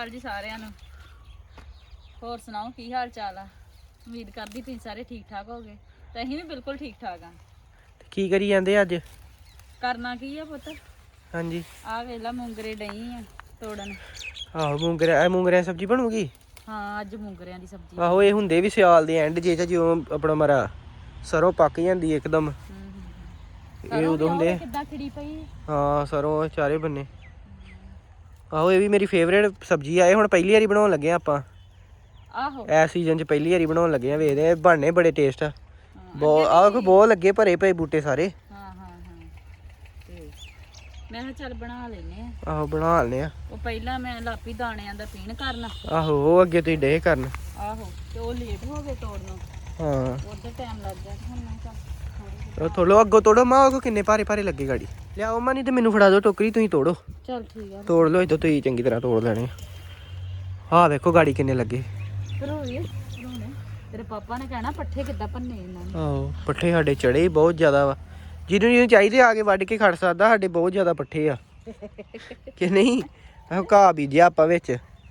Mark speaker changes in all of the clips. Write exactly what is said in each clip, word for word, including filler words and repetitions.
Speaker 1: ਅਕਾਲ ਜੀ ਸਾਰਿਆਂ ਨੂੰ। ਹੋਰ ਸੁਣਾਓ ਕੀ ਹਾਲ ਚਾਲ ਆ? ਉਮੀਦ ਕਰਦੀ ਤੁਸੀਂ ਸਾਰੇ ਠੀਕ ਠਾਕ ਹੋਗੇ ਤੇ ਅਸੀਂ ਵੀ ਬਿਲਕੁਲ ਠੀਕ ਠਾਕ ਆ।
Speaker 2: ਕੀ ਕਰੀ ਜਾਂਦੇ ਅੱਜ?
Speaker 1: ਕਰਨਾ ਕੀ ਆ ਪੁੱਤ?
Speaker 2: ਹਾਂਜੀ
Speaker 1: ਆ ਵੇਲਾ ਮੂੰਗਰੇ ਡਈ ਆ ਤੋੜਨ।
Speaker 2: ਆਹੋ ਮੂੰਗਰਿਆ ਇਹ ਮੂੰਗਰਿਆਂ ਦੀ ਸਬਜ਼ੀ ਬਣੂਗੀ।
Speaker 1: ਹਾਂ ਅੱਜ ਮੂੰਗਰਿਆਂ ਦੀ ਸਬਜ਼ੀ।
Speaker 2: ਆਹੋ ਇਹ ਹੁੰਦੇ ਵੀ ਸਿਆਲ ਦੇ ਐਂਡ ਜੇ ਜਿਉਂ ਆਪਣਾ ਮਰਾ ਸਰੋਂ ਪੱਕ ਜਾਂਦੀ ਇੱਕਦਮ। ਇਹ ਉਦੋਂ ਹੁੰਦੇ
Speaker 1: ਕਿੱਦਾਂ ਖਿੜੀ ਪਈ।
Speaker 2: ਹਾਂ ਸਰੋਂ ਚਾਰੇ ਬੰਨੇ। ਆਹੋ ਇਹ ਵੀ ਮੇਰੀ ਫੇਵਰੇਟ ਸਬਜ਼ੀ ਆ। ਇਹ ਹੁਣ ਪਹਿਲੀ ਵਾਰੀ ਬਣਾਉਣ ਲੱਗੇ ਆ ਆਪਾਂ।
Speaker 1: ਆਹੋ
Speaker 2: ਇਸ ਸੀਜ਼ਨ 'ਚ ਪਹਿਲੀ ਵਾਰੀ ਬਣਾਉਣ ਲੱਗੇ ਆ। ਵੇਖਦੇ ਆ ਬਣਨੇ ਬੜੇ ਟੇਸਟ ਆ। ਬਹੁਤ ਆਹ ਕੋਈ ਬਹੁਤ ਲੱਗੇ ਭਰੇ ਪਏ ਬੂਟੇ ਸਾਰੇ।
Speaker 1: ਹਾਂ ਹਾਂ ਹਾਂ ਤੇ ਮੈਂ ਕਿਹਾ ਚੱਲ ਬਣਾ ਲੈਨੇ ਆ।
Speaker 2: ਆਹੋ ਬਣਾ ਲੈਨੇ ਆ।
Speaker 1: ਉਹ ਪਹਿਲਾਂ ਮੈਂ ਲਾਪੀ ਦਾਣਿਆਂ ਦਾ ਪੀਣ ਕਰਨਾ।
Speaker 2: ਆਹੋ ਉਹ ਅੱਗੇ ਤੁਸੀਂ ਡੇ ਕਰਨ।
Speaker 1: ਆਹੋ ਤੇ ਉਹ ਲੇਟ ਹੋ ਗਏ ਤੋੜਨੋਂ।
Speaker 2: ਹਾਂ
Speaker 1: ਉਧਰ ਟਾਈਮ ਲੱਗ ਗਿਆ ਹੁਣ ਮੈਂ ਚੱਲ
Speaker 2: ਥੋੜੋ ਅੱਗੋਂ ਤੋੜੋ ਮਾਂ ਕੋ ਕਿੰਨੇ ਭਾਰੇ ਭਾਰੇ ਲੱਗੇ ਗਾੜੀ ਲਿਆਓ ਮਾਂ। ਨਹੀਂ ਤੇ ਮੈਨੂੰ ਫੜਾ ਦਿਓ ਟੋਕਰੀ ਤੁਸੀਂ ਤੋੜੋ।
Speaker 1: ਚੱਲ ਠੀਕ ਆ
Speaker 2: ਤੋੜ ਲਓ ਇੱਥੋਂ ਤੁਸੀਂ ਚੰਗੀ ਤਰ੍ਹਾਂ ਤੋੜ ਲੈਣੇ। ਆਹ ਵੇਖੋ ਗਾੜੀ ਕਿੰਨੇ ਲੱਗੇ।
Speaker 1: ਭਰੋਏ ਭਰੋਣੇ ਤੇਰੇ ਪਾਪਾ ਨੇ ਕਹਿਣਾ ਪੱਠੇ ਕਿੱਦਾਂ ਭੰਨੇ ਇਹਨਾਂ ਨੇ।
Speaker 2: ਆਹੋ ਪੱਠੇ ਸਾਡੇ ਚੜੇ ਬਹੁਤ ਜ਼ਿਆਦਾ ਵਾ। ਜਿਹਨੂੰ ਜਿਹਨੂੰ ਚਾਹੀਦੇ ਆ ਕੇ ਵੱਢ ਕੇ ਖੜ ਸਕਦਾ। ਸਾਡੇ ਬਹੁਤ ਜ਼ਿਆਦਾ ਪੱਠੇ ਆ ਕਿ ਨਹੀਂ। ਆਹੋ ਘਾਹ ਬੀਜਿਆ ਆਪਾਂ ਵਿੱਚ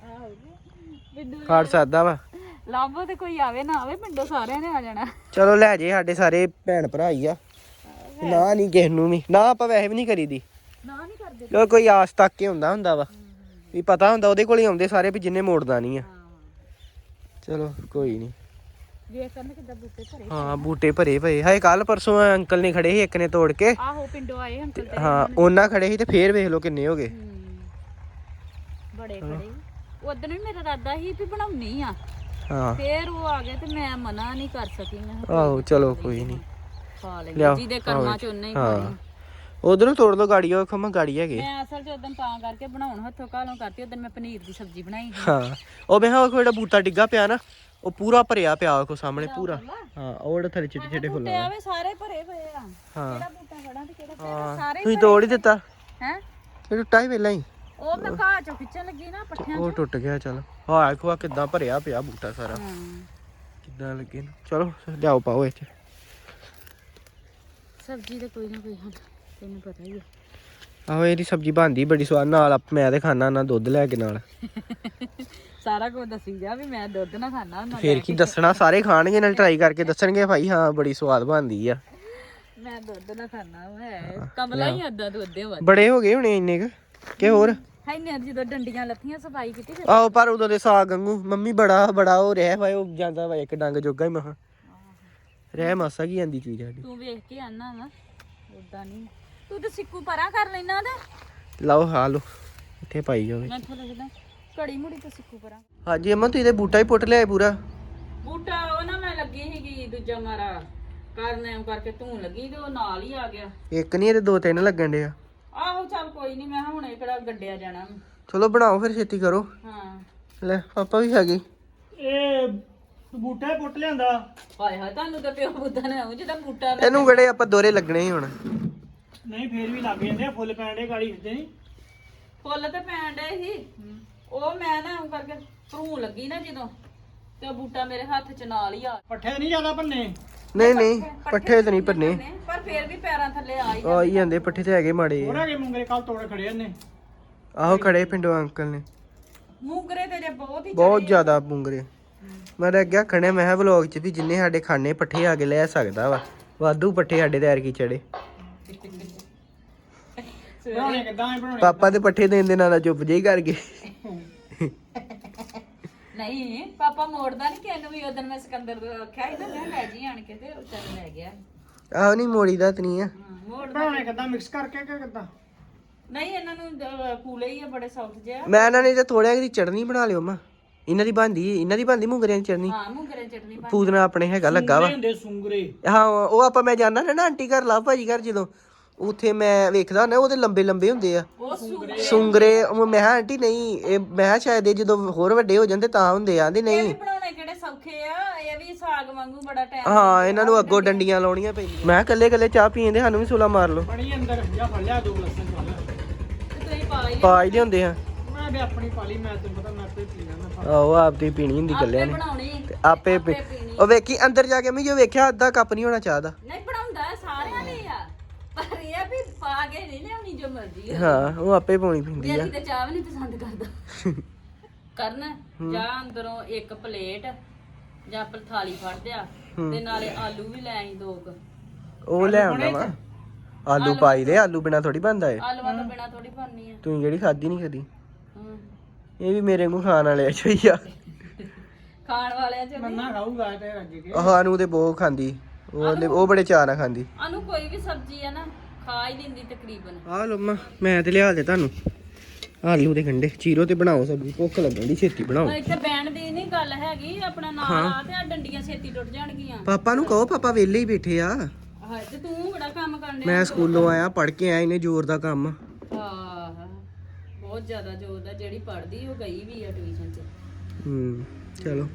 Speaker 2: ਖੜ ਸਕਦਾ ਵਾ।
Speaker 1: ਲਾਭੋ ਤੇ ਕੋਈ ਆਵੇ ਨਾ ਆਵੇ ਪਿੰਡੋਂ ਸਾਰਿਆਂ ਨੇ ਆ ਜਾਣਾ।
Speaker 2: ਚਲੋ ਲੈ ਜੇ ਸਾਡੇ ਸਾਰੇ ਭੈਣ ਭਰਾ ਹੀ ਆ। ਨਾ ਨਹੀਂ ਕਿਸੇ ਨੂੰ ਵੀ ਨਾ ਆਪਾਂ ਵੈਸੇ ਵੀ ਨਹੀਂ ਕਰੀਦੀ
Speaker 1: ਨਾ ਨਹੀਂ ਕਰਦੇ।
Speaker 2: ਕਿਉਂ ਕੋਈ ਆਸ ਤੱਕ ਕੇ ਹੁੰਦਾ ਹੁੰਦਾ ਵਾ ਵੀ ਪਤਾ ਹੁੰਦਾ ਉਹਦੇ ਕੋਲ ਹੀ ਆਉਂਦੇ ਸਾਰੇ ਵੀ ਜਿੰਨੇ ਮੋੜਦਾ ਨਹੀਂ ਆ। ਚਲੋ ਕੋਈ ਨਹੀਂ।
Speaker 1: ਵੇਖ ਕਰਨ ਕਿੱਦਾਂ ਬੂਟੇ ਭਰੇ।
Speaker 2: ਹਾਂ ਬੂਟੇ ਭਰੇ ਪਏ ਹਾਏ। ਕੱਲ ਪਰਸੋਂ ਅੰਕਲ ਨੇ ਖੜੇ ਸੀ ਇੱਕ ਨੇ ਤੋੜ ਕੇ।
Speaker 1: ਆਹੋ ਪਿੰਡੋਂ ਆਏ ਅੰਕਲ ਤੇ
Speaker 2: ਹਾਂ ਉਹਨਾਂ ਖੜੇ ਸੀ ਤੇ ਫੇਰ ਵੇਖ ਲਓ ਕਿੰਨੇ ਹੋ ਗਏ।
Speaker 1: ਬੜੇ ਖੜੇ ਉਦੋਂ ਵੀ ਮੇਰਾ ਇਰਾਦਾ ਸੀ ਵੀ ਬਣਾਉਣੀ ਆ।
Speaker 2: ਹਾਂ
Speaker 1: ਫੇਰ ਉਹ ਆ ਗਏ ਤੇ ਮੈਂ ਮਨਾ ਨਹੀਂ ਕਰ ਸਕੀ। ਮੈਂ
Speaker 2: ਆਹੋ ਚਲੋ ਕੋਈ ਨਹੀਂ
Speaker 1: ਖਾ ਲੈਂਦੇ ਜਿਹਦੇ ਕਰਮਾਂ ਚ ਉਹਨੇ ਹੀ ਖਾਣੀ।
Speaker 2: ਉਧਰੋਂ ਤੋੜ ਲਓ ਗਾੜੀ। ਉਹ ਖਮਾ ਗਾੜੀ ਹੈਗੇ।
Speaker 1: ਮੈਂ ਅਸਲ ਚ ਉਦੋਂ ਤਾਂ ਕਰਕੇ ਬਣਾਉਣ ਹੱਥੋਂ ਕਾਲੋਂ ਕਰਤੀ। ਉਦੋਂ ਮੈਂ ਪਨੀਰ ਦੀ ਸਬਜ਼ੀ ਬਣਾਈ ਸੀ।
Speaker 2: ਹਾਂ ਉਹ ਮੈਂ ਉਹ ਜਿਹੜਾ ਬੂਟਾ ਡਿੱਗਾ ਪਿਆ ਨਾ ਉਹ ਪੂਰਾ ਭਰਿਆ ਪਿਆ ਕੋ ਸਾਹਮਣੇ ਪੂਰਾ। ਹਾਂ ਉਹ ਜਿਹੜਾ ਥੱਲੇ ਛੋਟੇ ਛੋਟੇ ਫੁੱਲ ਆ
Speaker 1: ਆਵੇ ਸਾਰੇ ਭਰੇ ਪਏ ਆ।
Speaker 2: ਹਾਂ
Speaker 1: ਕਿਹੜਾ ਬੂਟਾ ਖੜਾ ਤੇ ਕਿਹੜਾ ਪਿਆ ਸਾਰੇ
Speaker 2: ਤੁਸੀਂ ਤੋੜ ਹੀ ਦਿੱਤਾ।
Speaker 1: ਹੈ
Speaker 2: ਇਹ ਟੁੱਟਾ ਹੀ ਪਹਿਲਾਂ ਹੀ।
Speaker 1: ਉਹ ਮੈਂ ਘਾਹ ਚੋਂ ਖਿੱਚਣ ਲੱਗੀ ਨਾ ਪੱਠਿਆਂ
Speaker 2: ਉਹ ਟੁੱਟ ਗਿਆ। ਚੱਲ ਹਾਂ ਦੇਖੋ ਕਿੱਦਾਂ ਭਰਿਆ ਪਿਆ ਬੂਟਾ ਸਾਰਾ ਕਿੱਦਾਂ ਲੱਗੇ ਨਾ। ਚਲੋ ਲਿਆਓ ਪਾਓ ਇਹ ਚ
Speaker 1: ਸਬਜ਼ੀ ਤੇ ਕੋਈ ਨਾ ਕੋਈ ਹੱਲ ਤੈਨੂੰ ਪਤਾ ਹੀ ਹੈ।
Speaker 2: ਆਹੋ ਇਹਦੀ ਸਬਜ਼ੀ ਬਣਦੀ ਬੜੀ ਸਵਾਦ ਨਾਲ। ਮੈਂ ਤੇ ਖਾਣਾ ਨਾ ਦੁੱਧ ਲੈ ਕੇ ਨਾਲ।
Speaker 1: ਸਾਰਾ ਕੁਝ ਦੱਸੀ ਜਾ ਵੀ ਮੈਂ ਦੁੱਧ ਨਾ ਖਾਣਾ ਹੁੰਦਾ।
Speaker 2: ਫੇਰ ਕੀ ਦੱਸਣਾ ਸਾਰੇ ਖਾਣਗੇ ਨਾਲ ਟਰਾਈ ਕਰਕੇ ਦੱਸਣਗੇ ਭਾਈ ਹਾਂ ਬੜੀ ਸਵਾਦ ਬਣਦੀ ਆ।
Speaker 1: ਮੈਂ ਦੁੱਧ ਨਾ ਖਾਣਾ ਹੈ ਕਮਲਾ ਹੀ ਆਦਾ ਦੁੱਧ ਦੇ ਵੱਧ
Speaker 2: ਬੜੇ ਹੋ ਗਏ ਹੁਣੇ ਇੰਨੇ ਕ ਕਿ ਹੋਰ
Speaker 1: ਹੈ ਨੇ ਜਦੋਂ ਡੰਡੀਆਂ ਲੱਥੀਆਂ ਸਫਾਈ ਕੀਤੀ ਫਿਰ।
Speaker 2: ਆਹੋ ਪਰ ਉਦੋਂ ਦੇ ਸਾਗ ਵਾਂਗੂ ਮੰਮੀ ਬੜਾ ਬੜਾ ਹੋ ਰਿਹਾ ਵਾ। ਉਹ ਜਾਂਦਾ ਵਾ ਇੱਕ ਡੰਗ ਜੋਗਾ ਹੀ ਮਹਾ ਰਹਿ ਮਾਸਾ ਕੀ ਜਾਂਦੀ ਚੀਜ਼ ਸਾਡੀ।
Speaker 1: ਤੂੰ ਵੇਖ ਕੇ ਆਨਾ ਵਾ ਉਦਾਂ ਨਹੀਂ। ਤੂੰ ਤੇ ਸਿੱਕੂ ਪਰਾਂ ਕਰ ਲੈਣਾ ਤੇ
Speaker 2: ਲਓ ਹਾਂ ਲਓ ਇੱਥੇ ਪਾਈ ਜਾਵੇ।
Speaker 1: ਮੈਂ ਇੱਥੇ ਲੱਗਦਾ ਘੜੀ ਮੁੜੀ ਤੇ ਸਿੱਕੂ ਪਰਾਂ।
Speaker 2: ਹਾਂਜੀ ਅਮਨ ਤੁਸੀਂ ਤੇ ਬੂਟਾ ਹੀ ਪੁੱਟ ਲਿਆ ਪੂਰਾ।
Speaker 1: ਬੂਟਾ ਉਹ ਨਾ ਮੈਂ ਲੱਗੀ ਸੀਗੀ ਦੂਜਾ ਮਾਰਾ ਕਰਨੇ ਕਰਕੇ ਧੂਣ ਲੱਗੀ ਤੇ ਉਹ ਨਾਲ ਹੀ ਆ ਗਿਆ।
Speaker 2: ਇੱਕ ਨਹੀਂ ਇਹਦੇ ਦੋ ਤਿੰਨ ਲੱਗਣ ਡੇ ਆ।
Speaker 1: ਆਹੋ ਚੱਲ ਕੋਈ ਨਹੀਂ ਮੈਂ ਹੁਣੇ ਕਿਹੜਾ ਗੱਡਿਆ ਜਾਣਾ।
Speaker 2: ਚਲੋ ਬਣਾਓ ਫਿਰ ਛੇਤੀ ਕਰੋ।
Speaker 1: ਹਾਂ
Speaker 2: ਲੈ ਪਾਪਾ ਵੀ ਹੈਗੇ।
Speaker 3: ਇਹ ਬੂਟਾ ਹੀ ਪੁੱਟ ਲਿਆਂਦਾ।
Speaker 1: ਹਾਏ ਹਾਏ ਤੁਹਾਨੂੰ ਤਾਂ ਪਿਓ ਬੁੱਧਾ ਨੇ ਉਹ ਜਿਹਦਾ ਬੂਟਾ
Speaker 2: ਇਹਨੂੰ ਕਿਹੜੇ ਆਪਾਂ ਦੋਰੇ ਲੱਗਣੇ ਸੀ ਹੁਣ।
Speaker 3: ਨਹੀਂ ਫੇਰ ਵੀ ਲੱਗ ਜਾਂਦੇ ਆ ਫੁੱਲ ਪੈਣ ਦੇ ਗਾੜੀ ਹਿੱਦੇ ਨਹੀਂ।
Speaker 1: ਫੁੱਲ ਤੇ ਪੈਣ ਡੇ ਸੀ ਉਹ ਮੈਂ ਨਾ ਉਹ ਕਰਕੇ ਧੂਣ ਲੱਗੀ ਨਾ ਜਦੋਂ ਤੇ ਉਹ ਬੂਟਾ ਮੇਰੇ ਹੱਥ ਚ ਨਾਲ ਹੀ ਆ।
Speaker 3: ਪੱਠੇ ਨਹੀਂ ਜ਼ਿਆਦਾ ਭੰਨੇ।
Speaker 2: ਨਹੀਂ ਨਹੀਂ ਪੱਠੇ ਤੇ ਨਹੀਂ ਭੰਨੇ।
Speaker 1: ਪਰ ਫੇਰ ਵੀ ਪੈਰਾਂ ਥੱਲੇ ਆ ਹੀ
Speaker 2: ਆ ਹੀ ਜਾਂਦੇ ਪੱਠੇ ਤੇ ਹੈਗੇ ਮਾੜੇ।
Speaker 3: ਹੋਰ ਹੈਗੇ ਮੁੰਗਰੇ ਕੱਲ ਤੋੜ ਖੜੇ ਨੇ।
Speaker 2: ਆਹੋ ਖੜੇ ਪਿੰਡੋਂ ਅੰਕਲ ਨੇ
Speaker 1: ਮੂੰਗਰੇ ਤੇਰੇ ਬਹੁਤ ਹੀ
Speaker 2: ਬਹੁਤ ਜ਼ਿਆਦਾ ਮੁੰਗਰੇ। ਮੈਂ ਤਾਂ ਅੱਗੇ ਆਖਣੇ ਮੈਂ ਕਿਹਾ ਵਲੋਗ ਚ ਵੀ ਜਿੰਨੇ ਸਾਡੇ ਖਾਣੇ ਪੱਠੇ ਆ ਕੇ ਲੈ ਸਕਦਾ ਵਾ ਵਾਧੂ ਪੱਠੇ ਸਾਡੇ ਤੇ ਐਰਕੀ ਚੜੇ।
Speaker 3: ਬਣਾਉਣੇ ਕਿੱਦਾਂ ਐ ਬਣਾਉਣੇ?
Speaker 2: ਪਾਪਾ ਦੇ ਪੱਠੇ ਦੇਣ ਦੇ ਨਾਲ ਚੁੱਪ ਜਿਹੀ ਕਰ ਗਏ।
Speaker 1: ਨਹੀਂ ਪਾਪਾ ਮੋੜਦਾ ਨਹੀਂ ਕਿਹਨੂੰ ਵੀ। ਉਦੋਂ ਮੈਂ ਸਿਕੰਦਰ ਤੋਂ ਆਖਿਆ ਸੀ ਨਾ ਮੈਂ ਲੈ ਜੀ ਆਣ ਕੇ ਤੇ ਉਹ ਚੱਲ ਲੈ ਗਿਆ।
Speaker 2: ਆਹੋ ਨਹੀਂ ਮੋੜੀ ਦਾ ਤੇ ਨਹੀਂ ਆ।
Speaker 1: ਮੋੜਦਾ
Speaker 3: ਬਣਾਉਣੇ ਕਿੱਦਾਂ ਮਿਕਸ ਕਰਕੇ ਕਿ ਕਿੱਦਾਂ?
Speaker 1: ਨਹੀਂ ਇਹਨਾਂ ਨੂੰ ਅਹ, ਕੂਲੇ ਹੀ ਆ ਬੜੇ ਸੌਫਟ ਜਿਹਾ।
Speaker 2: ਮੈਂ ਇਹਨਾਂ ਨੇ ਤੇ ਥੋੜ੍ਹਾ ਜਿਹੀ ਚਟਨੀ ਬਣਾ ਲਿਓ ਮਾਂ। ਇਹਨਾਂ ਦੀ ਬਣਦੀ ਇਹਨਾਂ ਦੀ ਬਣਦੀ ਮੁੰਗਰਿਆਂ ਦੀ ਚਟਨੀ।
Speaker 1: ਹਾਂ ਮੂੰਗਰੇ ਚਟਨੀ ਪਾ
Speaker 2: ਪੂਦਨਾ ਆਪਣੇ ਹੈਗਾ ਲੱਗਾ ਵਾ।
Speaker 3: ਹੁੰਦੇ ਸੁੰਗਰੇ।
Speaker 2: ਹਾਂ ਉਹ ਆਪਾਂ ਮੈਂ ਜਾਣਾ ਨਾ ਆਂਟੀ ਘਰ ਲਵ ਭਾਜੀ ਘਰ ਜਦੋਂ ਉੱਥੇ ਮੈਂ ਵੇਖਦਾ ਹੁੰਦਾ ਉਹਦੇ ਲੰਬੇ ਲੰਬੇ ਹੁੰਦੇ ਆ
Speaker 1: ਉਹ ਸੁੰਗਰੇ
Speaker 2: ਸੁੰਗਰੇ। ਉਹ ਮੈਂ ਕਿਹਾ ਆਂਟੀ ਨਹੀਂ ਇਹ ਮੈਂ ਕਿਹਾ ਸ਼ਾਇਦ ਇਹ ਜਦੋਂ ਹੋਰ ਵੱਡੇ ਹੋ ਜਾਂਦੇ ਤਾਂ ਹੁੰਦੇ ਆਂਦੇ
Speaker 1: ਇਹ
Speaker 2: ਨਹੀਂ।
Speaker 1: ਵੀ ਬਣਾਉਣੇ ਕਿਹੜੇ ਸੌਖੇ ਆ। ਇਹ ਵੀ ਸਾਗ ਵਾਂਗੂ ਬੜਾ ਟਾਈਮ।
Speaker 2: ਹਾਂ ਇਹਨਾਂ ਨੂੰ ਅੱਗੋਂ ਡੰਡੀਆਂ ਲਾਉਣੀਆਂ ਪੈਂਦੀਆਂ। ਮੈਂ ਕੱਲੇ ਕੱਲੇ ਚਾਹ ਪੀਂਦੇ ਸਾਨੂੰ ਵੀ ਸੁਲਾ ਮਾਰ ਲਓ।
Speaker 3: ਬੜੀ ਅੰਦਰ ਜਾਂ ਫੜ ਲਿਆ ਦੋ ਲਸਣ ਪਾ ਲਿਆ।
Speaker 1: ਤੇ ਤੁਸੀਂ ਪਾ ਹੀ
Speaker 2: ਪਾ ਹੀ ਲਿਆਉਂਦੇ ਆ।
Speaker 3: ਮੈਂ ਵੀ ਆਪਣੀ ਪਾ ਲਈ। ਮੈਂ ਤੈਨੂੰ ਪਤਾ ਮੈਂ ਆਪੇ ਪੀ ਲੈਣਾ।
Speaker 2: ਆਹੋ ਆਪ ਤੇ ਪੀਣੀ ਹੁੰਦੀ ਕੱਲਿਆਂ ਨੇ
Speaker 1: ਬਣਾਉਣੀ
Speaker 2: ਤੇ ਆਪੇ ਪੀ- ਉਹ ਵੇਖੀ ਅੰਦਰ ਜਾ ਕੇ ਮੈਂ ਜੋ ਵੇਖਿਆ ਅੱਧਾ ਕੱਪ ਨਹੀਂ ਹੋਣਾ ਚਾਹ ਦਾ।
Speaker 1: ਨਹੀਂ ਬਣਾਉਂਦਾ ਸਾਰਿਆਂ ਨੇ ਆ ਪਰ ਇਹ ਵੀ ਪਾ ਕੇ ਨਹੀਂ ਲਿਆਉਣੀ ਜੋ ਮਰਜ਼ੀ।
Speaker 2: ਹਾਂ ਉਹ ਆਪੇ ਪਾਉਣੀ ਪੈਂਦੀ ਆ।
Speaker 1: ਮੇਰੀ ਤੇ ਚਾਹ ਵੀ ਨਹੀਂ ਪਸੰਦ ਕਰਦਾ। ਕਰਨ ਜਾਂ ਅੰਦਰੋਂ ਇੱਕ ਪਲੇਟ ਜਾਂ ਪ- ਥਾਲੀ ਫੜ ਦਿਆ ਤੇ ਨਾਲੇ ਆਲੂ ਵੀ ਲੈ ਆਈ ਦੋ ਕੁ
Speaker 2: ਉਹ ਲੈ ਆਉਂਦਾ ਵਾ ਆਲੂ ਪਾਈ ਦੇ ਆਲੂ ਬਿਨਾ ਥੋੜੀ ਬਣਦਾ ਏ
Speaker 1: ਆਲੂਆਂ ਤੋਂ ਬਿਨਾ ਥੋੜੀ ਬਣਨੀ ਆ
Speaker 2: ਤੂੰ ਜਿਹੜੀ ਖਾਦੀ ਨਹੀਂ ਕਦੀ
Speaker 1: ਹਮ।
Speaker 2: ਇਹ ਵੀ ਮੇਰੇ ਨੂੰ ਖਾਣ ਵਾਲੇ ਅੱਛਾ ਹੀ ਆ
Speaker 1: ਖਾਣ ਵਾਲਿਆਂ ਚ
Speaker 3: ਮੰਨਾ ਖਾਊਗਾ ਤੇ ਰੱਜ ਕੇ
Speaker 2: ਸਾਨੂੰ ਤੇ ਬਹੁਤ ਖਾਂਦੀ ਉਹ ਉਹ ਬੜੇ ਚਾਅ ਨਾਲ ਖਾਂਦੀ
Speaker 1: ਆਨੂੰ ਕੋਈ ਵੀ ਸਬਜ਼ੀ ਆ ਨਾ ਖਾ ਹੀ ਲੈਂਦੀ ਤਕਰੀਬਨ
Speaker 2: ਆ ਲੋ ਮੈਂ ਮੈਂ ਤੇ ਲਿਆ ਦੇ ਤੁਹਾਨੂੰ ਆਲੂ ਦੇ ਗੰਢੇ ਚੀਰੋ ਤੇ ਬਣਾਓ ਸਬਜ਼ੀ ਭੁੱਖ ਲੱਗਣ ਦੀ ਛੇਤੀ ਬਣਾਓ
Speaker 1: ਪਰ ਇੱਥੇ ਬੈਣ ਦੀ ਨਹੀਂ ਗੱਲ ਹੈਗੀ ਆਪਣਾ ਨਾਲ ਆ ਤੇ ਆ ਡੰਡੀਆਂ ਛੇਤੀ ਟੁੱਟ ਜਾਣਗੀਆਂ
Speaker 2: ਪਾਪਾ ਨੂੰ ਕਹੋ ਪਾਪਾ ਵਿਹਲੇ ਹੀ ਬੈਠੇ ਆ
Speaker 1: ਹਾਂ ਤੇ ਤੂੰ ਕਿਹੜਾ ਕੰਮ ਕਰਨ ਡਿਆ
Speaker 2: ਮੈਂ ਸਕੂਲੋਂ ਆਇਆ ਪੜ ਕੇ ਆਇਆ ਇਹਨੇ ਜ਼ੋਰ ਦਾ ਕੰਮ
Speaker 1: ਹਾਂ ਬਹੁਤ ਜ਼ਿਆਦਾ ਜ਼ੋਰ ਦਾ ਜਿਹੜੀ ਪੜਦੀ ਉਹ ਗਈ ਵੀ ਆ ਟਿਊਸ਼ਨ 'ਚ
Speaker 2: ਹੂੰ ਚਲੋ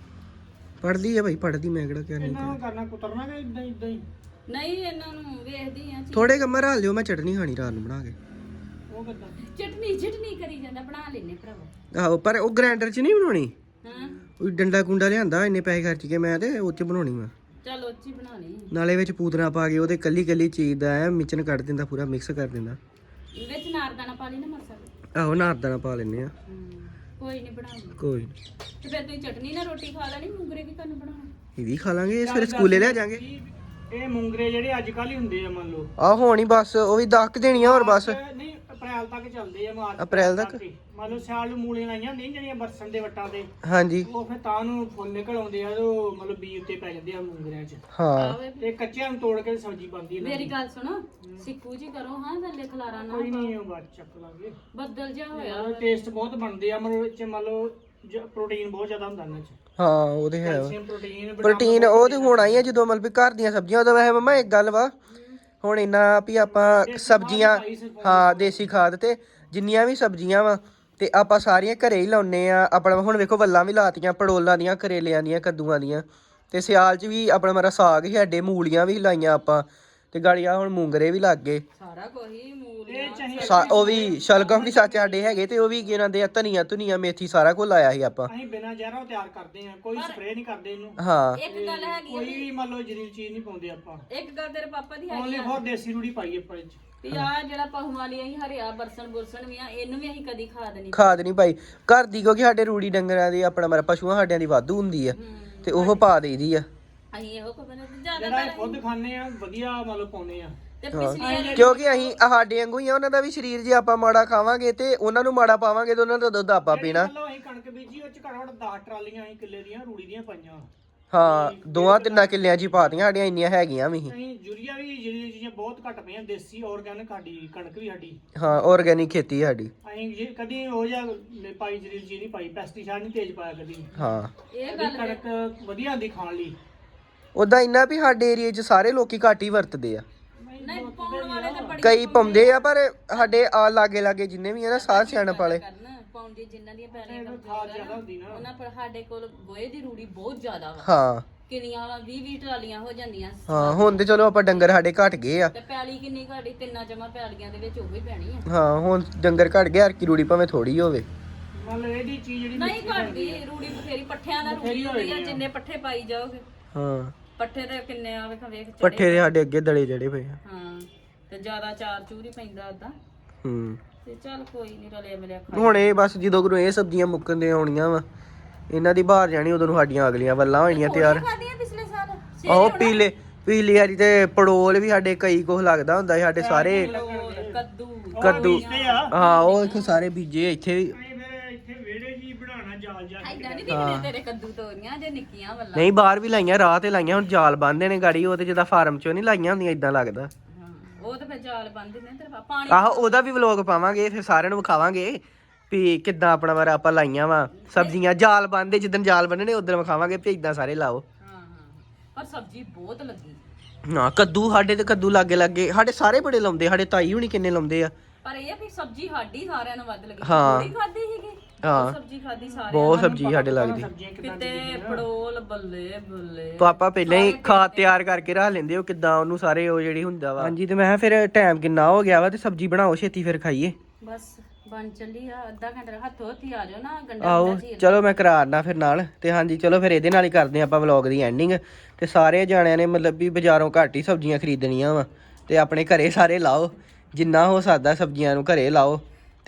Speaker 2: ਪੜਦੀ ਆ ਭਾਈ ਪੜਦੀ ਮੈਂ ਕਿਹੜਾ ਕਹਿ ਨਹੀਂ
Speaker 3: ਇਹਨਾਂ ਨੂੰ ਕਰਨਾ ਕੁਤਰਨਾ ਕਿ ਇਦਾਂ ਇਦਾਂ ਹੀ
Speaker 1: ਨਹੀਂ ਇਹਨਾਂ ਨੂੰ ਵੇਖਦੀ ਆ
Speaker 2: ਥੋੜੇ ਕੰਮਾਂ ਰਾਲ ਲਿਓ ਮੈਂ ਚਟਨੀ ਖਾਣੀ ਰਾਤ ਨੂੰ ਬਣਾ ਕੇ
Speaker 3: ਉਹ ਕਿੱਦਾਂ
Speaker 1: ਚਟਨੀ ਚਟਨੀ ਕਰੀ ਜਾਂਦਾ ਬਣਾ ਲੈਨੇ ਭਰਾਵਾ
Speaker 2: ਆਹੋ ਪਰ ਉਹ ਗ੍ਰਾਈਂਡਰ 'ਚ ਨਹੀਂ ਬਣਾਉਣੀ
Speaker 1: ਹਾਂ
Speaker 2: ਉਹ ਡੰਡਾ ਕੁੰਡਾ ਲਿਆਂਦਾ ਇੰਨੇ ਪੈਸੇ ਖਰਚ ਕੇ ਮੈਂ ਤੇ ਉਹ 'ਚ ਬਣਾਉਣੀ ਮੈਂ
Speaker 1: ਚਲ ਉੱਚੀ ਬਣਾ ਲਈ
Speaker 2: ਨਾਲੇ ਵਿੱਚ ਪੂਤਨਾ ਪਾ ਕੇ ਉਹਦੇ ਕੱਲੀ ਕੱਲੀ ਚੀਜ਼ ਦਾ ਐ ਮਿਚਨ ਕੱਢ ਦਿੰਦਾ ਪੂਰਾ ਮਿਕਸ ਕਰ ਦਿੰਦਾ
Speaker 1: ਵਿੱਚ ਨਾਰਦਾਨਾ ਪਾ ਲਈ ਨਾ ਮਸਾਲਾ
Speaker 2: ਆਹੋ ਨਾਰਦਾਨਾ ਪਾ ਲੈਨੇ ਆ
Speaker 1: ਹਮ, ਕੋਈ ਨਹੀਂ ਬਣਾ ਲਈ
Speaker 2: ਕੋਈ ਨੀ।
Speaker 1: ਤੇ ਫਿਰ ਤੁਸੀਂ ਚਟਨੀ ਨਾਲ ਰੋਟੀ ਖਾ ਲੈਣੀ ਮੂੰਗਰੇ ਕੀ ਤੁਹਾਨੂੰ ਬਣਾਉਣਾ
Speaker 2: ਇਹ ਵੀ ਖਾ ਲਾਂਗੇ ਇਸ ਫਿਰ ਸਕੂਲੇ ਲੈ ਜਾਾਂਗੇ
Speaker 3: ਇਹ ਮੂੰਗਰੇ ਜਿਹੜੇ ਅੱਜ ਕੱਲ ਹੀ ਹੁੰਦੇ ਆ ਮੰਨ ਲਓ
Speaker 2: ਆ ਹੋਣੀ ਬਸ ਉਹ ਵੀ ਦਸ ਕੁ ਦੇਣੀਆਂ ਹੋਰ ਬਸ
Speaker 3: ਨਹੀਂ ਅਪ੍ਰੈਲ ਤੱਕ ਚੱਲਦੇ ਆ ਮਾਰਚ
Speaker 2: ਅਪ੍ਰੈਲ ਤੱਕ?
Speaker 3: ਮੰਨ ਲਓ ਸਿਆਲ ਨੂੰ ਮੂਲੀਆਂ ਲਾਈਆਂ ਹੁੰਦੀਆਂ ਜਿਹੜੀਆਂ ਬਰਸਨ ਦੇ ਵੱਟਾਂ ਤੇ
Speaker 2: ਹਾਂਜੀ
Speaker 3: ਉਹ ਫਿਰ ਤਾਂ ਨੂੰ ਫੁੱਲ ਨਿਕਲ ਆਉਂਦੇ ਆ ਤੇ ਉਹ ਮਤਲਬ ਬੀਜ ਉੱਤੇ ਪੈ ਜਾਂਦੇ ਆ ਮੂੰਗਰਿਆਂ 'ਚ
Speaker 2: ਹਾਂ
Speaker 1: ਆਵੇ
Speaker 3: ਤੇ ਕੱਚਿਆਂ ਨੂੰ ਤੋੜ ਕੇ ਸਬਜ਼ੀ ਬਣਦੀ ਹੈ
Speaker 1: ਮੇਰੀ ਗੱਲ ਸੁਣੋ ਸਿੱਕੂ ਜੀ ਕਰੋ ਹਾਂ ਥੱਲੇ ਖਲਾਰਾ ਨਾ
Speaker 3: ਕੋਈ ਨਹੀਂ ਉਹ ਬਾਅਦ 'ਚ ਚੱਕ ਲਾਂਗੇ
Speaker 1: ਬੱਦਲ ਜਾ ਹੋਇਆ
Speaker 3: ਟੇਸਟ ਬਹੁਤ ਬਣਦੇ ਆ ਮਤਲਬ ਇਹ 'ਚ ਮੰਨ ਲਓ ਪ੍ਰੋਟੀਨ ਬਹੁਤ ਜ਼ਿਆਦਾ ਹੁੰਦਾ ਇਹਨਾਂ 'ਚ
Speaker 2: ਹਾਂ ਉਹ ਤੇ ਹੈ ਵਾ।
Speaker 3: ਕੈਲਸ਼ੀਅਮ ਪ੍ਰੋਟੀਨ
Speaker 2: ਪ੍ਰੋਟੀਨ ਉਹ ਤੇ ਹੋਣਾ ਹੀ ਆ ਜਦੋਂ ਮਤਲਬ ਵੀ ਘਰ ਦੀਆਂ ਸਬਜ਼ੀਆਂ ਉਦੋਂ ਵੈਸੇ ਮੰਮਾ ਇੱਕ ਗੱਲ ਵਾ ਹੁਣ ਇੰਨਾ ਵੀ ਆਪਾਂ ਸਬਜ਼ੀਆਂ ਹਾਂ ਦੇਸੀ ਖਾਦ ਤੇ ਜਿੰਨੀਆਂ ਵੀ ਸਬਜ਼ੀਆਂ ਵਾ ਤੇ ਆਪਾਂ ਸਾਰੀਆਂ ਘਰੇ ਹੀ ਲਾਉਨੇ ਆ ਆਪਣਾ ਹੁਣ ਵੇਖੋ ਵੱਲਾਂ ਵੀ ਲਾਤੀਆਂ ਪੜੋਲਾਂ ਦੀਆਂ ਕਰੇਲਿਆਂ ਦੀਆਂ ਕੱਦੂਆਂ ਦੀਆਂ ਤੇ ਸਿਆਲ 'ਚ ਵੀ ਆਪਣਾ ਮੇਰਾ ਸਾਗ ਹੀ ਸਾਡੇ ਮੂਲੀਆਂ ਵੀ ਲਾਈਆਂ ਆਪਾਂ ਤੇ ਗਾੜੀਆਂ ਹੁਣ ਮੂੰਗਰੇ ਵੀ ਲੱਗ ਗਏ
Speaker 1: ਸਾਰਾ ਕੋਈ ਮੂਲੀਆਂ
Speaker 3: ਇਹ ਚਾਹੀਏ
Speaker 2: ਸਾ- ਉਹ ਵੀ ਸ਼ਲਗਮ ਵੀ ਸੱਚ ਸਾਡੇ ਹੈਗੇ ਤੇ ਉਹ ਵੀ ਕੀ ਕਹਿੰਦੇ ਆ ਧਨੀਆ ਧੁਨੀਆ ਮੇਥੀ ਸਾਰਾ ਕੁਝ ਲਾਇਆ ਸੀ ਆਪਾਂ
Speaker 3: ਅਸੀਂ ਬਿਨਾਂ ਜ਼ਹਿਰਾਂ ਤਿਆਰ ਕਰਦੇ ਆ ਕੋਈ ਸਪਰੇਅ ਨਹੀਂ ਕਰਦੇ ਇਹਨੂੰ
Speaker 2: ਹਾਂ
Speaker 1: ਇੱਕ ਗੱਲ ਹੈਗੀ ਆ
Speaker 3: ਕੋਈ ਵੀ ਮੰਨ ਲਓ ਜ਼ਰੀਲ ਚੀਜ਼ ਨਹੀਂ ਪਾਉਂਦੇ ਆਪਾਂ
Speaker 1: ਇੱਕ ਗੱਲ ਤੇਰੇ ਪਾਪਾ ਦੀ ਹੈਗੀ
Speaker 3: ਓਨਲੀ ਫੋਰ ਦੇਸੀ ਰੂੜੀ ਪਾਈ ਆਪਾਂ ਇਹ 'ਚ
Speaker 1: ਵੀ ਆ ਜਿਹੜਾ ਪਹੂ ਵਾਲੀ ਅਸੀਂ ਹਰਿਆ ਬਰਸਨ ਬੁਰਸਨ ਵੀ ਆ ਇਹਨੂੰ ਵੀ ਅਸੀਂ ਕਦੀ ਖਾਦ ਨਹੀਂ
Speaker 2: ਖਾਦ ਨਹੀਂ ਪਾਈ ਘਰ ਦੀ ਕਿਉਂਕਿ ਸਾਡੇ ਰੂੜੀ ਡੰਗਰਾਂ ਦੀ ਆਪਣਾ ਮੇਰਾ ਪਸ਼ੂਆਂ ਸਾਡਿਆਂ ਦੀ ਵਾਧੂ ਹੁੰਦੀ ਆ ਤੇ ਉਹ ਪਾ ਦੇਈਦੀ ਆ
Speaker 1: ਅਸੀਂ ਇਹੋ ਕੋ ਬਣੇ ਤੇ
Speaker 3: ਜਿਹੜਾ
Speaker 1: ਜ਼ਿਆਦਾ
Speaker 3: ਇਹ ਖੁਦ ਖਾਂਦੇ ਆ ਵਧੀਆ ਮਤਲਬ ਪਾਉਂਦੇ ਆ
Speaker 1: ਤੇ ਪਿਛਲੀ ਵਾਰੀ
Speaker 2: ਕਿਉਂਕਿ ਅਸੀਂ ਆਹ ਸਾਡੇ ਵਾਂਗੂ ਹੀ ਆ ਉਹਨਾਂ ਦਾ ਵੀ ਸਰੀਰ ਜੇ ਆਪਾਂ ਮਾੜਾ ਖਾਵਾਂਗੇ ਤੇ ਉਹਨਾਂ ਨੂੰ ਮਾੜਾ ਪਾਵਾਂਗੇ ਤੇ ਉਹਨਾਂ ਦਾ ਦੁੱਧ ਆਪਾਂ ਪੀਣਾ
Speaker 3: ਮੰਨ ਲਓ ਅਸੀਂ ਕਣਕ ਬੀਜੀ ਉਹ 'ਚ ਘੱਟੋ ਘੱਟ ਦਸ ਟਰਾਲੀਆਂ ਅਸੀਂ ਕਿੱਲੇ ਦੀਆਂ ਰੂੜੀ ਦੀਆਂ ਪਾਈਆਂ
Speaker 2: ਹਾਂ ਦੋਆਂ ਤਿੰਨਾਂ ਕਿੱਲਿਆਂ 'ਚ ਹੀ ਪਾਤੀਆਂ ਸਾਡੀਆਂ ਇੰਨੀਆਂ ਹੈਗੀਆਂ ਵੀ ਸੀ।
Speaker 3: ਅਸੀਂ ਯੂਰੀਆ ਵੀ ਜਿਹੜੀਆਂ ਚੀਜ਼ਾਂ ਬਹੁਤ ਘੱਟ ਪਈਆਂ ਦੇਸੀ ਆਰਗੈਨਿਕ ਸਾਡੀ ਕਣਕ ਵੀ ਸਾਡੀ
Speaker 2: ਹਾਂ ਆਰਗੈਨਿਕ ਖੇਤੀ ਸਾਡੀ
Speaker 3: ਅਸੀਂ ਜੇ ਕਦੀ ਉਹ ਜਿਹਾ ਲ- ਪਾਈ ਜਰੀਲ ਚੀਜ਼ ਨਹੀਂ ਪਾਈ ਪੈਸਟੀਸਾਈਡ ਨਹੀਂ ਤੇਜ਼ ਪਾਇਆ ਕਦੀ
Speaker 2: ਹਾਂ
Speaker 1: ਇਹ
Speaker 3: ਸਾਡੀ ਕਣਕ ਵਧੀਆ ਹੁੰਦੀ ਖਾਣ ਲਈ
Speaker 2: ਉਦਾਂ ਇੰਨਾ ਵੀ ਸਾਡੇ ਏਰੀਏ 'ਚ ਸਾਰੇ ਲੋਕੀ ਘੱਟ ਹੀ ਵਰਤਦੇ ਆ
Speaker 1: ਨਹੀਂ ਪਾਉਣ ਵਾਲੇ ਤੇ ਬੜੀ
Speaker 2: ਕਈ ਪਾਉਂਦੇ ਆ ਪਰ ਸਾਡੇ ਆ ਲਾਗੇ ਲਾਗੇ ਜਿੰਨੇ ਵੀ ਆ ਨਾ ਸਾਹ ਸਿਆਣਪ ਵਾਲੇ
Speaker 1: ਕਰਨ ਪਾਉਂਦੇ ਜਿਨ੍ਹਾਂ ਦੀਆਂ ਪੈਲੀਆਂ
Speaker 3: ਖਾਦ
Speaker 1: ਕਮਜ਼ੋਰ ਆ
Speaker 3: ਜ਼ਿਆਦਾ
Speaker 1: ਨਾ
Speaker 3: ਹੁੰਦੀ ਨਾ
Speaker 1: ਉਹਨਾਂ ਪਰ ਸਾਡੇ ਕੋਲ ਗੋਹੇ ਦੀ ਰੂੜੀ ਬਹੁਤ ਜ਼ਿਆਦਾ ਵਾ
Speaker 2: ਹਾਂ
Speaker 1: ਕਿੰਨੀਆਂ ਵਾਲਾ ਵੀਹ ਵੀਹ ਟਰਾਲੀਆਂ ਹੋ ਜਾਂਦੀਆਂ
Speaker 2: ਹਾਂ ਹੁਣ ਤੇ ਚਲੋ ਆਪਾਂ ਡੰਗਰ ਸਾਡੇ ਘਟ ਗਏ ਆ
Speaker 1: ਤੇ ਪੈਲੀ ਕਿੰਨੀ ਘਾੜੀ ਤਿੰਨਾਂ ਜਮਾ ਪੈਲੀਆਂ ਦੇ ਵਿੱਚ ਉਹ ਹੀ ਪੈਣੀ ਆ
Speaker 2: ਹਾਂ ਹੁਣ ਡੰਗਰ ਘਟ ਗਏ ਹਰ ਕੀ ਰੂੜੀ ਭਾਵੇਂ ਥੋੜੀ ਹੋਵੇ
Speaker 3: ਮੰਨ ਲਓ ਇਹਦੀ ਚੀਜ਼ ਜਿਹੜੀ
Speaker 1: ਨਹੀਂ ਘਾੜੀ ਰੂੜੀ ਬਥੇਰੀ ਪੱਠਿਆਂ ਦਾ ਰੂੜੀ ਹੁੰਦੀ ਆ ਜਿੰਨੇ ਪੱਠੇ ਪਾਈ ਜਾਓਗੇ
Speaker 2: ਹਾਂ
Speaker 1: ਪੱਠੇ ਤੇ ਕਿੰਨੇ ਆ ਵੇਖ ਵੇਖ ਚੜੇ
Speaker 2: ਪੱਠੇ ਦੇ ਸਾਡੇ ਅੱਗੇ ਦਲੇ ਜੜੇ ਪਏ ਆ
Speaker 1: ਹਾਂ ਤੇ ਜ਼ਿਆਦਾ ਚਾਰ ਚੂਰ ਹੀ ਪੈਂਦਾ ਓਦਾਂ
Speaker 2: ਹੂੰ
Speaker 1: ਤੇ ਚੱਲ ਕੋਈ ਨਹੀਂ ਰਲਿਆ ਮਿਲਿਆ ਖਾ
Speaker 2: ਹੁਣ ਇਹ ਬਸ ਜਦੋਂ ਕੋਲ ਇਹ ਸਬਜ਼ੀਆਂ ਮੁੱਕਣ ਦੇ ਆਉਣੀਆਂ ਵਾ ਇਹਨਾਂ ਦੀ ਬਾਹਰ ਜਾਣੀ ਉਦੋਂ ਨੂੰ ਸਾਡੀਆਂ ਅਗਲੀਆਂ ਵੱਲਾਂ ਹੋਣੀਆਂ ਤਿਆਰ
Speaker 1: ਖਾਦੀਆਂ ਪਿਛਲੇ ਸਾਲ
Speaker 2: ਆਹੋ ਪੀਲੇ ਪੀਲੀ ਵਾਲੀ ਤੇ ਪੜੋਲ ਵੀ ਸਾਡੇ ਕਈ ਕੁਝ ਲੱਗਦਾ ਹੁੰਦਾ ਸੀ ਸਾਡੇ ਸਾਰੇ
Speaker 1: ਕੱਦੂ
Speaker 2: ਕੱਦੂ
Speaker 3: ਤੇ ਆ
Speaker 2: ਹਾਂ ਉਹ ਇੱਥੇ ਸਾਰੇ ਬੀਜੇ ਇੱਥੇ ਵੀ
Speaker 3: ਅਸੀਂ ਫਿਰ ਇੱਥੇ ਵਿਹੜੇ ਜੀ ਬਣਾਉਣਾ ਜਾਲ ਜਾ
Speaker 1: ਐਦਾਂ ਨਹੀਂ ਦਿਖਦੇ ਤੇਰੇ ਕੱਦੂ ਤੋਰੀਆਂ ਜੇ ਨਿੱਕੀਆਂ ਵੱਲਾਂ
Speaker 2: ਨਹੀਂ ਬਾਹਰ ਵੀ ਲਾਈਆਂ ਰਾਹ ਤੇ ਲਾਈਆਂ ਹੁਣ ਜਾਲ ਬੰਨਦੇ ਨੇ ਗਾੜੀ ਉਹ ਤੇ ਜਿੱਦਾਂ ਫਾਰਮ ਚੋਂ ਨਹੀਂ ਲਾਈਆਂ ਹੁੰਦੀਆਂ ਇਦਾਂ ਲੱਗਦਾ
Speaker 1: ਹਾਂ ਉਹ ਤਾਂ ਫਿਰ ਜਾਲ ਬੰਨਦੇ ਨੇ ਤੇਰੇ ਪਾ- ਪਾਣੀ
Speaker 2: ਆਹੋ ਉਹਦਾ ਵੀ ਵਲੋਗ ਪਾਵਾਂਗੇ ਫਿਰ ਸਾਰਿਆਂ ਨੂੰ ਵਿਖਾਵਾਂਗੇ ਵੀ ਕਿੱਦਾਂ ਆਪਣਾ ਵਾਰ ਆਪਾਂ ਲਾਈਆਂ ਵਾ ਸਬਜ਼ੀਆਂ ਜਾਲ ਬੰਨਦੇ ਜਿੱਦਣ ਜਾਲ ਬੰਨਣੇ ਉਦੋਂ ਵਿਖਾਵਾਂਗੇ ਵੀ ਇਦਾਂ ਸਾਰੇ ਲਾਓ
Speaker 1: ਹਾਂ ਹਾਂ ਪਰ ਸਬਜ਼ੀ ਬਹੁਤ ਲੱਗੀ
Speaker 2: ਨਾ ਕੱਦੂ ਸਾਡੇ ਤੇ ਕੱਦੂ ਲਾਗੇ ਲਾਗੇ ਸਾਡੇ ਸਾਰੇ ਬੜੇ ਲਾਉਂਦੇ ਸਾਡੇ ਤਾਈ ਹੁਣੀ ਕਿੰਨੇ ਲਾਉਂਦੇ ਆ
Speaker 1: ਪਰ ਇਹ ਆ ਵੀ ਸਬਜ਼ੀ ਸਾਡੀ ਸਾਰਿਆਂ ਨੂੰ ਵੱਧ ਲੱਗੀ
Speaker 2: ਹਾਂ।
Speaker 1: ਥੋੜੀ ਖਾਦੀ ਸੀਗੀ
Speaker 2: ਹਾਂ।
Speaker 1: ਸਬਜ਼ੀ ਖਾਦੀ ਸਾਰੇ
Speaker 2: ਬਹੁਤ ਸਬਜ਼ੀ ਸਾਡੇ ਲੱਗਦੀ
Speaker 3: ਸਬਜ਼ੀਆਂ ਕਿੱਦਾਂ
Speaker 1: ਕਿਤੇ ਪੜੋਲ ਬੱਲੇ ਬੱਲੇ
Speaker 2: ਪਾਪਾ ਪਹਿਲਾਂ ਹੀ ਖਾਦ ਤਿਆਰ ਕਰਕੇ ਰੱਖ ਲੈਂਦੇ ਉਹ ਕਿੱਦਾਂ ਉਹਨੂੰ ਸਾਰੇ ਉਹ ਜਿਹੜੀ ਹੁੰਦਾ ਵਾ ਹਾਂਜੀ ਤੇ ਮੈਂ ਕਿਹਾ ਫਿਰ ਟਾਈਮ ਕਿੰਨਾ ਹੋ ਗਿਆ ਵਾ ਤੇ ਸਬਜ਼ੀ ਬਣਾਓ ਛੇਤੀ ਫਿਰ ਖਾਈਏ
Speaker 1: ਬਸ ਬਣ ਚੱਲੀ ਆ ਅੱਧਾ ਘੰਟਾ ਹੱਥੋਂ ਹੱਥੀ ਆ ਜਾਓ ਨਾ ਗੰਡਾ
Speaker 2: ਆਓ
Speaker 1: ਗੰਡਾ ਚੀਰ
Speaker 2: ਚਲੋ ਮੈਂ ਕਰਾਰਨਾ ਫਿਰ ਨਾਲ ਤੇ ਹਾਂਜੀ ਚਲੋ ਫਿਰ ਇਹਦੇ ਨਾਲ ਹੀ ਕਰਦੇ ਆਪਾਂ ਵਲੌਗ ਦੀ ਐਂਡਿੰਗ ਤੇ ਸਾਰੇ ਜਾਣਿਆਂ ਨੇ ਮਤਲਬ ਵੀ ਬਾਜ਼ਾਰੋਂ ਘੱਟ ਹੀ ਸਬਜ਼ੀਆਂ ਖਰੀਦਣੀਆਂ ਵਾ ਤੇ ਆਪਣੇ ਘਰੇ ਸਾਰੇ ਲਾਓ ਜਿੰਨਾ ਹੋ ਸਕਦਾ ਸਬਜ਼ੀਆਂ ਨੂੰ ਘਰੇ ਲਾਓ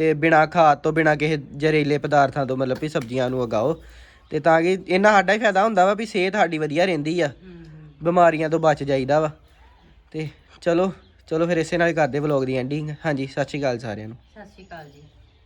Speaker 2: ਤੇ ਬਿਨਾ ਖਾਦ ਤੋਂ ਬਿਨਾ ਕਿਸੇ ਜ਼ਹਿਰੀਲੇ ਪਦਾਰਥਾਂ ਤੋਂ ਮਤਲਬ ਵੀ ਸਬਜ਼ੀਆਂ ਨੂੰ ਉਗਾਓ ਤੇ ਤਾਂ ਕਿ ਇਹਨਾਂ ਸਾਡਾ ਹੀ ਫਾਇਦਾ ਹੁੰਦਾ ਵਾ ਵੀ ਸਿਹਤ ਸਾਡੀ ਵਧੀਆ ਰਹਿੰਦੀ ਆ, ਬਿਮਾਰੀਆਂ ਤੋਂ ਬਚ ਜਾਈਦਾ ਵਾ। ਤੇ ਚਲੋ ਚਲੋ ਫਿਰ ਇਸੇ ਨਾਲ ਕਰਦੇ ਵਲੌਗ ਦੀ ਐਂਡਿੰਗ। ਹਾਂਜੀ, ਸਤਿ ਸ਼੍ਰੀ ਅਕਾਲ ਸਾਰਿਆਂ ਨੂੰ।
Speaker 1: ਸਤਿ ਸ਼੍ਰੀ ਅਕਾਲ ਜੀ।